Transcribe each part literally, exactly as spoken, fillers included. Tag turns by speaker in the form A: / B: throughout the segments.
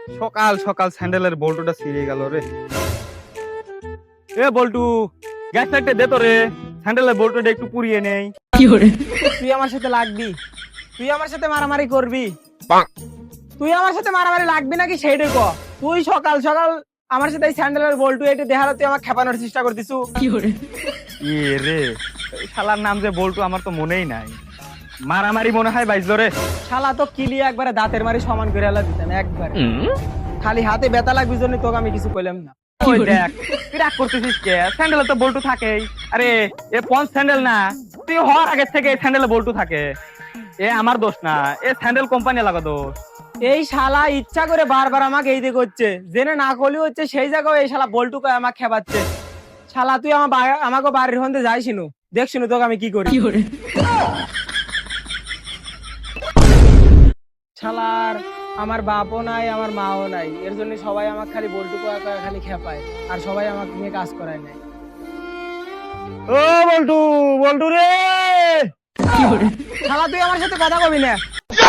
A: সকাল সকাল স্যান্ডেলের বল্টুটা ছিঁড়ে গেল রে। এ বল্টু, গ্যাস লাইটটা দে তো রে, স্যান্ডেলের বল্টুটা একটু পুড়িয়ে নেই।
B: তুই আমার সাথে লাগবি? তুই আমার সাথে মারামারি করবি? তুই আমার সাথে মারামারি লাগবি নাকি সেইটাই ক। তুই সকাল সকাল আমার সাথে এই স্যান্ডেলের বল্টু এটে দেখার তুই আমাকে খেপানোর চেষ্টা করতিস।
A: এ রে, এই শালার নাম যে বল্টু আমার তো মনেই নাই। মারামারি মনে হয় বাইজলো রে।
B: শালা তো কিলি একবারে দাঁতের মারি সমান করে আলা দিতাম একবারে। খালি হাতে ব্যথা লাগবি জন্য তোকে আমি কিছু কইলাম না।
A: ওই দেখ, তুই রাগ করতেছিস কে? স্যান্ডেলে তো বল্টু থাকেই। আরে এ পঞ্চ স্যান্ডেল না, তুই হওয়ার আগে থেকে এই স্যান্ডেলে বল্টু থাকে। এ আমার দোষ না, এ স্যান্ডেল কোম্পানি লাগা দোষ।
B: এই শালা ইচ্ছা করে বারবার আমাকে এই দিকে করছে, জেনে না করলেও হচ্ছে সেই জায়গায় এই শালা বল্টু কয় আমাকে খেপাচ্ছে। শালা তুই আমার বা- আমাকে বাড়ির হন্দে যাইছিনু, দেখছিনু তোকে আমি কি করি। শালার আমার বাপও নাই আমার মাও নাই, এর জন্য সবাই আমাকে খালি বল্টু কয়া কয়া খালি খেপায়, আর সবাই আমাকে নিয়ে কাজ করায় নাই।
A: ও বল্টু, বল্টু রে।
B: শালা তুই আমার সাথে কথা কবি না।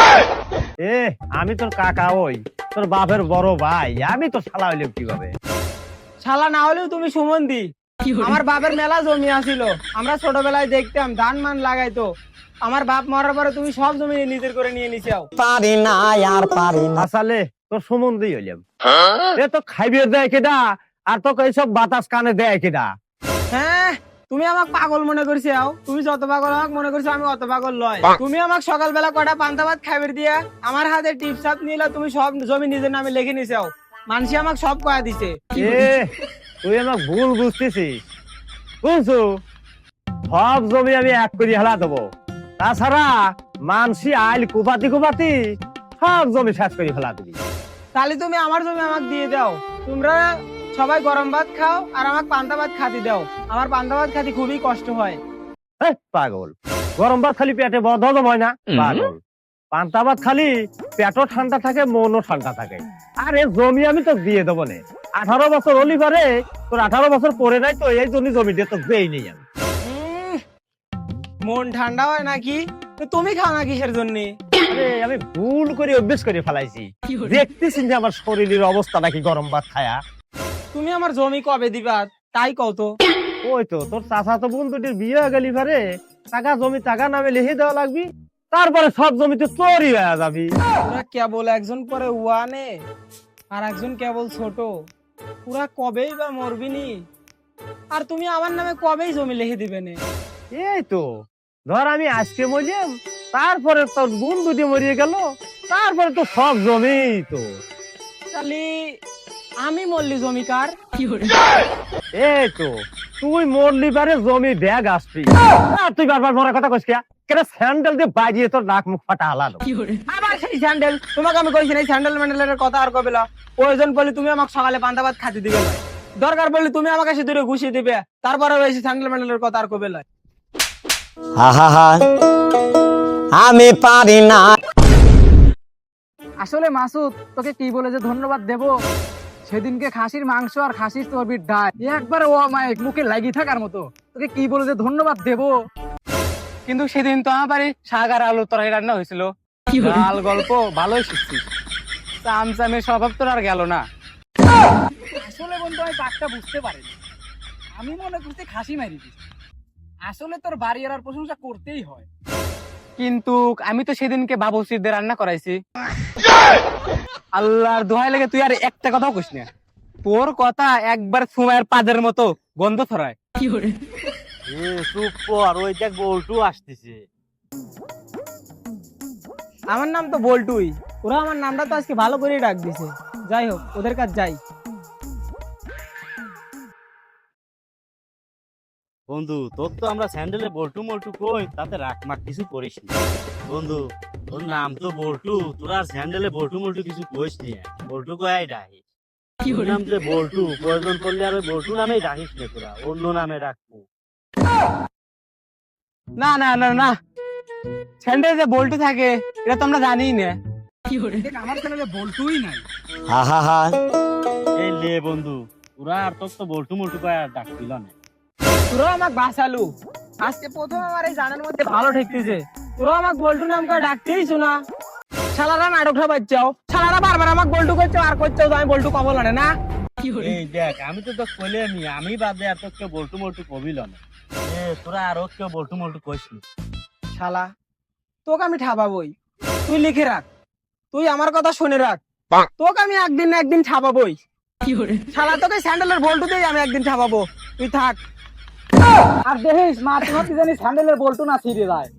C: এ আমি তোর কাকা, ওই তোর বাপের বড় ভাই, আমি তো শালা হইলাম কিভাবে?
B: শালা না হলেও তুমি সুমন্দি। আমার বাপের মেলা জমি আছিল, আমরা ছোটবেলায় দেখতাম ধান মান লাগাইতো। আমার বাপ মরার পরে তুমি সব জমি নিজের করে নিয়ে নিছাও।
D: পারি না আর পারি না।
C: আসলে তোর সম্বন্ধে হইলাম। এ তো খাইবে দেয় কেডা, আর তোকে এইসব বাতাস কানে দেয় কেডা?
B: হ্যাঁ, তুমি আমাকে পাগল মনে করছো। তুমি যত পাগল আমাকে মনে করছো, আমি অত পাগল লয়। তুমি আমাকে সকালবেলা কটা পান্তা ভাত খাইবে দিয়া আমার হাতে টিপস আপ নিলা, তুমি সব জমি নিজের নামে লিখে নিছাও। মানুষ আমাকে সব কয়া দিছে।
C: এ তুই আমাকে ভুল বুঝতেছিস, বুঝছো? সব জমি আমি এক করে হেলা দেবো, তাছাড়া মানসি আইল কুপাতি কুপাতি সব জমি শেষ করে ফেলা দিবি।
B: তাহলে তুমি আমার জমি আমাকে দিয়ে দাও। তোমরা সবাই গরম ভাত খাও আর আমাকে পান্তা ভাত খাতি দাও। আমার পান্তা ভাত খাতি খুবই কষ্ট হয়।
C: হেই, পাগল! গরম ভাত খালি পেটে বদ হজম হয় না? পাগল! পান্তা ভাত খালি পেটও ঠান্ডা থাকে, মনও ঠান্ডা থাকে। আর এই জমি আমি তো দিয়ে দেবো না। আঠারো বছর হলি পারে, তোর আঠারো বছর পরে নাই তো, এই জন্য জমি দিয়ে তো দেই নেই আমি।
B: উম, মন ঠান্ডা হয় নাকি? তো তুমি খাও না কিসের জন্য?
C: আরে আমি ভুল করে অভ্যেস করে ফেলাইছি। দেখতেছি যে আমার শরীরের অবস্থা নাকি গরম ভাত খায়া।
B: তুমি আমার জমি কবে দিবা তাই কও তো।
C: ওই তো তোর চাচা তো বোন দুটির বিয়ে হয়ে গেলি পারে, টাকা জমি টাকা নামে লিখে দেওয়া লাগবি, তারপরে সব জমিতে চোরই হয়ে যাবি।
B: পুরা কেবল একজন পরে ওয়ানে আর একজন কেবল ছোট, পুরা কবেই বা মরবিনি। আর তুমি আমার নামে কবেই জমি লিখে দিবে নে?
C: এই তো ধর আমি আজকে মরিলাম, তারপরে তোর বোন দুটি মরিয়ে গেল, তারপরে তো সব জমি তো।
B: তাহলে আমি মল্লি জমিকার?
C: এই তো তুই মরলি পারে জমি ব্যাগ আসবি। আর তুই বারবার মরার কথা কইস কিয়া? কেন স্যান্ডেল দিয়ে বাজিয়ে তোর নাক মুখ ফাটা হালালো।
B: আবার সেই স্যান্ডেল? তোমাকে আমি কইছি না এই স্যান্ডেল ম্যান্ডেলের কথা আর কবে? প্রয়োজন পড়লে তুমি আমাকে সকালে পান্তা ভাত খাতে দিবে না, দরকার পড়লে তুমি আমাকে সে দূরে ঘুষিয়ে দিবে, তারপরে ওই স্যান্ডেল ম্যান্ডেলের কথা আর কবে লয়।
D: হা হা হা, আমি পারি না।
E: আসলে মাসুদ, তোকে কি বলে যে ধন্যবাদ দেব? সেদিনকে খাসির মাংস আর খাসির চর্বির ডাল একবারে ও মাইক মুখে লাগি থাকার মতো, তোকে কি বলে যে ধন্যবাদ দেব?
B: কিন্তু সেদিন তো আমার বাড়ি শাক আর আলু তরকারি রান্না হয়েছিল। ডাল গল্প ভালোই শিখছিস, চামচামের স্বভাব তোর আর গেল না।
E: আসলে বন্ধু আমি পাকটা বুঝতে পারিনি, আমি মনে করছি খাসি মারি দিস। আসলে তোর বাড়ি আর প্রশংসা করতেই হয়।
B: কিন্তু আমি তো সেদিনকে বাবুসিদের রান্না করাইছি। আল্লাহর দোহাই লাগে তুই আর একটা কথাও কইস না। তোর কথা একবার সুমায়ের পাদের মতো গন্ধ ছড়ায়।
C: এ চুপ কর, ওই দেখ বল্টু আসতেছে।
B: আমার নাম তো বল্টুই, ওরা আমার নামটা তো আজকে ভালো করে ডাক দিছে। যাই হোক, ওদের কাছে যাই।
F: বন্ধু, তোর তো আমরা স্যান্ডেলে বল্টু মল্টু কই, তাতে রাখ মাক কিছু করিস না। বন্ধু, তোর নাম তো বল্টু, তোর আর স্যান্ডেলে বল্টু মল্টু কিছু কইস নি। বল্টু কয়াই ডাকিস, তোর নাম যে বল্টু, প্রয়োজন করলে আর ওই বল্টু নামেই ডাকিস না, তোরা অন্য নামে ডাকবো।
B: না না না না, স্যান্ডেল যে বল্টু থাকে এটা তো আমরা জানিই না।
E: দেখ, আমার চ্যানেলে বলতুই নাই।
D: হা হা হা,
F: এই লে বন্ধু, তোরা আর তোর তো বল্টু মল্টু কয়া ডাকছিল না।
B: তোরা আমাকে বাঁচালু, আজকে প্রথম আমার এই জানার মধ্যে ভালো ঠেকতেছে। তোরা আমাকে বল্টু নাম করে ডাকতেই শোনা। শালারা নাটকটা বাচ্চাও, শালারা শালা বারবার আমাকে বল্টু করছো আর করছো তো আমি বল্টু কবল আনে না।
F: এই দেখ আমি তো তো কইলে নি আমি বাদে আর তো কেউ বল্টু মল্টু কবিল না এ তোরা আর কেউ বল্টু মল্টু কইসনি
B: শালা তোকে আমি ঠাপাবই, তুই লিখে রাখ, তুই আমার কথা শুনে রাখ, তোকে আমি একদিন না একদিন ঠাপাবই। শালা তোকে স্যান্ডেলের বল্টু দিয়ে আমি একদিন ঠাপাবো, তুই থাক।
E: আর দেখিস মা তোমার কি জানি স্যান্ডেলের বল্টু না ছিঁড়ে যায়।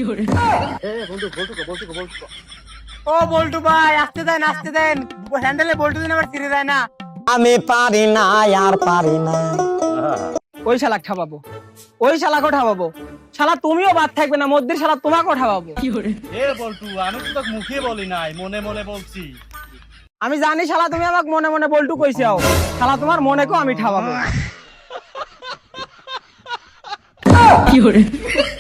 B: ও বল্টু ভাই আসতে দেন আসতে দেন, স্যান্ডেলের বল্টু দিন আবার ছিঁড়ে যায় না।
D: আমি পারি না আর পারি না।
B: ওই শালাক ঠাপাবো, ওই শালাকে ঠাপাবো। শালা তুমিও বাদ থাকবে না, মধ্যে শালা তোমাকেও ঠাপাবো।
F: এ বল্টু আমি তো তোকে মুখে বলি নাই মনে মনে বলছি।
B: আমি জানি শালা তুমি আমাকে মনে মনে বল্টু কইছাও, শালা তোমার মনেকেও আমি ঠাপাবো।